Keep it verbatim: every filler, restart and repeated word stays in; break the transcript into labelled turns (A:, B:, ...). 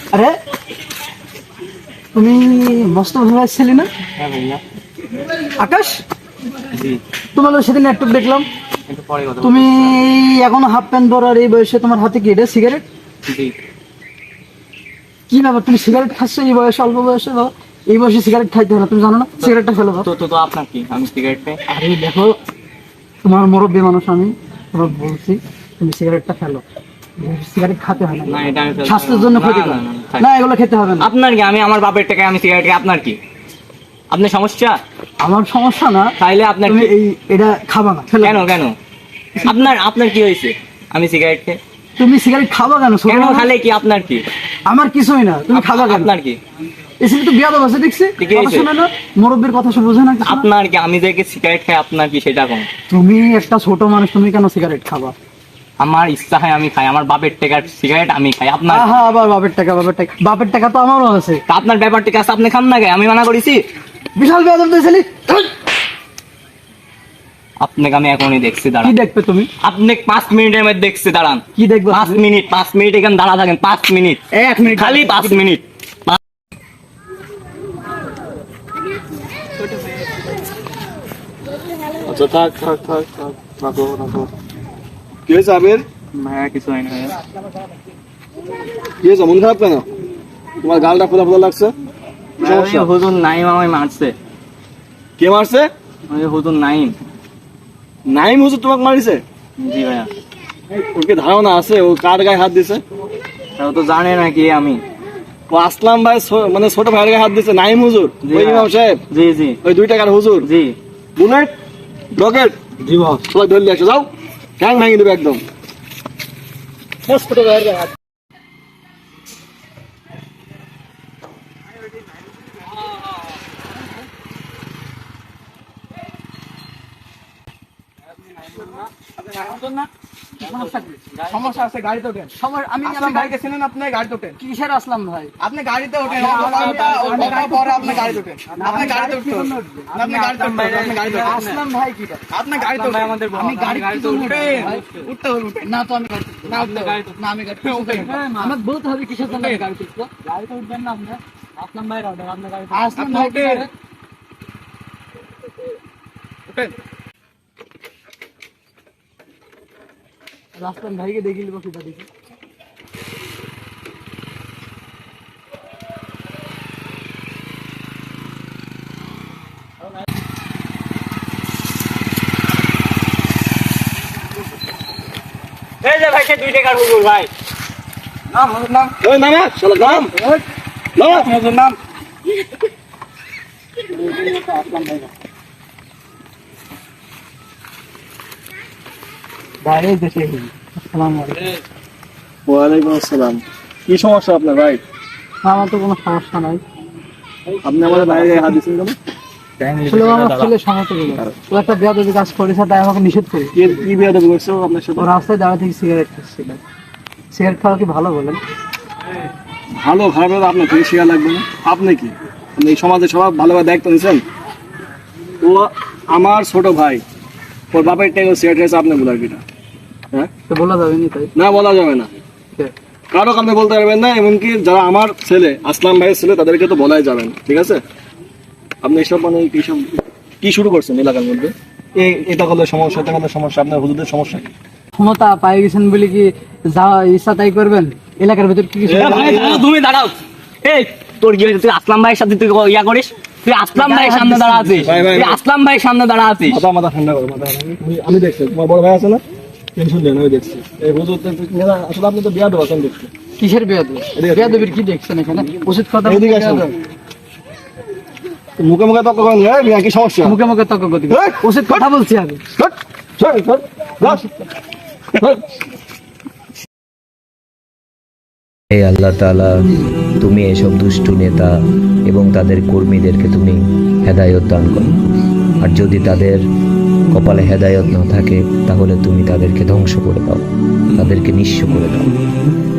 A: আরে তুমি মস্ত ভাই ছিলি না?
B: হ্যাঁ ভাইয়া।
A: আকাশ,
B: জি।
A: তোমার সেদিন একটু দেখলাম
B: একটু পরে কথা
A: তুমি এখনো হাফ প্যান্ট পরো, আর এই বয়সে তোমার হাতে কি এটা সিগারেট?
B: জি।
A: কি ব্যাপার, তুমি সিগারেট খাচ্ছ এই বয়সে, অল্প বয়সে? এই বয়সে সিগারেট খাইতে হবে, তুমি জানো না? সিগারেটটা ফেলো।
B: তো তো তো আপনার কি, আমি সিগারেট খাই?
A: আরে দেখো, তোমার মুরব্বী মানুষ, আমি তোমার বলছি তুমি সিগারেটটা ফেলো। সিগারেট খেতে হয় না,
B: না এটা আমি ফেলতে
A: স্বাস্থ্যের
B: পারবো
A: জন্য
B: না।
A: ক্ষতিকর।
B: না, না, না, থাক।
A: না, এগুলো খেতে হবে না।
B: আপনার কি, আমি আমার বাপের টাকায় আমি সিগারেট খাই, আপনার কি? আপনার সমস্যা?
A: আমার সমস্যা না,
B: তাইলে আপনার
A: তুমি
B: কি?
A: এই এটা খাবা না, ফেলো।
B: কেন কেন আপনার আপনার কি হয়েছে আমি সিগারেট খাই?
A: তুমি সিগারেট খাবা কেন? ছোট
B: কেন
A: মানুষ।
B: খালে কি আপনার কি?
A: আমার কিছুই না, তুমি খাবা কেন?
B: আপনার কি?
A: এসে তো বিয়াদ আছে দেখছি,
B: ঠিকই
A: কথা
B: হয়েছে।
A: শোনে না, মুরব্বীর কথা সব বোঝে না কিছু না।
B: আপনার কি, আমি যে সিগারেট খাই আপনার কি সেটা কোন?
A: তুমি একটা ছোট মানুষ, তুমি কেন সিগারেট খাবা?
B: আমার ইচ্ছা হয় আমি খাই, আমার বাপের টাকার সিগারেট আমি খাই। আপনার
A: হ্যাঁ, আবার বাপের টাকা, বাপের টাকা, বাপের টাকা তো আমারও আছে।
B: তা আপনার ব্যাপার ঠিক আছে, আপনি খান না কে? আমি মানা করেছি?
A: বিশাল বিয়াদ দিয়েছিলি।
B: আপনাকে আমি এখনই দেখছি,
A: কি
B: দাঁড়ান।
A: দেখবে তুমি?
B: আপনি পাঁচ মিনিটের মধ্যে দেখছি, দাঁড়ান।
A: কি দেখবে?
B: পাঁচ মিনিট পাঁচ মিনিট এখানে দাঁড়া থাকেন, পাঁচ মিনিট
A: এক মিনিট
B: খালি পাঁচ মিনিট।
C: আচ্ছা থাক থাক থাক থাক রাখো রাখো। কি হয়েছে আবির?
B: হ্যাঁ কিছু হয় না।
C: কি হয়েছে, মন খারাপ কেন? তোমার গালটা ফোলা ফোলা লাগছে, কি সমস্যা?
B: ওই হুজুর নাইম আমায় মারছে।
C: কে মারছে?
B: ওই হুজুর নাইম।
C: নাইম হুজুর তোমাকে মারিছে?
B: জি ভাইয়া।
C: ওর কি ধারণা আছে ও কার গায়ে হাত দিছে?
B: ও তো জানে না কি আমি।
C: ও আসলাম ভাই ছো- মানে ছোট ভাইয়ের গায়ে হাত দিছে নাইম হুজুর?
B: জি
C: ওই
B: ভাই।
C: ইমাম সাহেব,
B: জি জি
C: ওই দুই টাকার হুজুর?
B: জি।
C: বুলেট রকেট
A: জি বস।
C: সবাই ধরলে আসো, যাও ঠ্যাং ভেঙে দেবে একদম।
A: ছোট ভাইয়ের হাত।
D: সমস্যা আছে, গাড়িতে ওঠেন।
A: আমি
D: আসলাম ভাইকে চিনেন আপনি? গাড়িতে ওঠেন,
A: কিসের আসলাম ভাই?
D: আপনি গাড়িতে ওঠেন। ওর কথাটা ওর কথা পরে আপনি গাড়িতে ওঠেন। আপনি গাড়িতে উঠতে হবে। আপনি গাড়িতে উঠতে হবে, আপনি গাড়িতে ওঠেন।
A: আসলাম ভাই কি?
D: আপনি গাড়িতে ওঠেন।
A: আমি গাড়িতে উঠেন।
D: উঠতে হবে, উঠেন।
A: না তো আমি গাড়িতে উঠবো।
D: না উঠতে হবে। না আমি গাড়িতে উঠেন।
A: আমাকে বলতে হবে কিসের জন্য আমি গাড়িতে উঠবো? গাড়িতে উঠবেন না আপনি? আসলাম ভাই রডে, আপনার গাড়িতে আসলাম
D: আপনি
A: ভাই কি
D: উঠেন।
A: করে?
D: উঠেন।
A: আসলাম ভাইকে দেখি লিবো কিটা দেখি।
B: এই যে ভাই, সে দুই টাকার হুজুর ভাই।
D: নাম হুজুর নাম।
C: ওই নামা শালা নাম নামা।
D: হুজুর নাম।
A: ভাই এই দেখে আসসালামু আলাইকুম।
C: ওয়ালাইকুম আসসালাম। কি সমস্যা আপনার ভাই?
A: আমার তো কোনো সমস্যা নাই।
C: আপনি আমাদের বাইরে গায়ে হাত দিচ্ছেন কেন?
A: আসলে আমার ছেলে সমস্যা হলো, ও একটা বেয়াদবি কাজ করেছে, তাই আমাকে নিষেধ করে।
C: কি কি বিয়াদবি করছে ও আপনার সাথে?
A: ও রাস্তায় দাঁড়া থেকে সিগারেট খাচ্ছিল। সিগারেট খাওয়া কি ভালো বলেন?
C: ভালো খারাপ হলে আপনার থেকে শেয়ার লাগবে না? আপনি কি আপনি এই সমাজে সবাই ভালোভাবে দায়িত্ব নিচ্ছেন? ও আমার ছোট ভাই, ওর বাপের টাকা সিগারেট খেয়েছে, আপনি বলার কিনা? হ্যাঁ,
A: তো বলা যাবে নি তাই?
C: না বলা যাবে না, কারো আপনি বলতে পারবেন না, এমনকি যারা আমার ছেলে আসলাম ভাইয়ের ছেলে তাদেরকে তো বলাই যাবে না, ঠিক আছে? আপনি এসব মানে কি সব কি শুরু করছেন এলাকার মধ্যে? এই এটা করলে সমস্যা, এটা করলে সমস্যা, আপনার হুজুরদের সমস্যা কি?
A: ক্ষমতা পাই গেছেন বলে কি যা ইচ্ছা তাই করবেন? এলাকার ভিতর কি কিছু
B: এ ভাই, দাঁড়াও, তুমি দাঁড়াও। এই তোর কি হয়েছে? তুই আসলাম ভাইয়ের সাথে তুই ইয়া করিস? তুই আসলাম ভাইয়ের সামনে দাঁড়া আছিস,
C: ভাই, ভাই,
B: তুই
C: ভাই।
B: আসলাম ভাইয়ের সামনে দাঁড়া আছিস।
C: মাথা মাথা ঠান্ডা করো, মাথা ঠান্ডা করো। আমি- আমি দেখছি তোমার বড় ভাই আছে না, টেনশন দেন, আমি দেখছি। এই হুজুর তো- আসলে আপনি তো বিয়াদ আছেন দেখছি।
A: কিসের বেয়াদবি? বেয়াদবির কি দেখছেন এখানে? উচিত কথা বলতে
C: এদিকে আসুন।
A: বেয়াদব।
C: মুখে মুখে তর্ক করেন, এই মিয়া কি সমস্যা?
A: মুখে মুখে তর্ক করতে
C: এই,
A: উচিত কথা বলছি আমি।
C: ধর, ধর, ধর, ধর, ধর।
E: হে আল্লাহ তাআলা, তুমি এসব দুষ্টু নেতা এবং তাদের কর্মীদেরকে তুমি হেদায়েত দান করো, আর যদি তাদের কপালে হেদায়েত না থাকে তাহলে তুমি তাদেরকে ধ্বংস করে দাও, তাদেরকে নিঃস্ব করে দাও।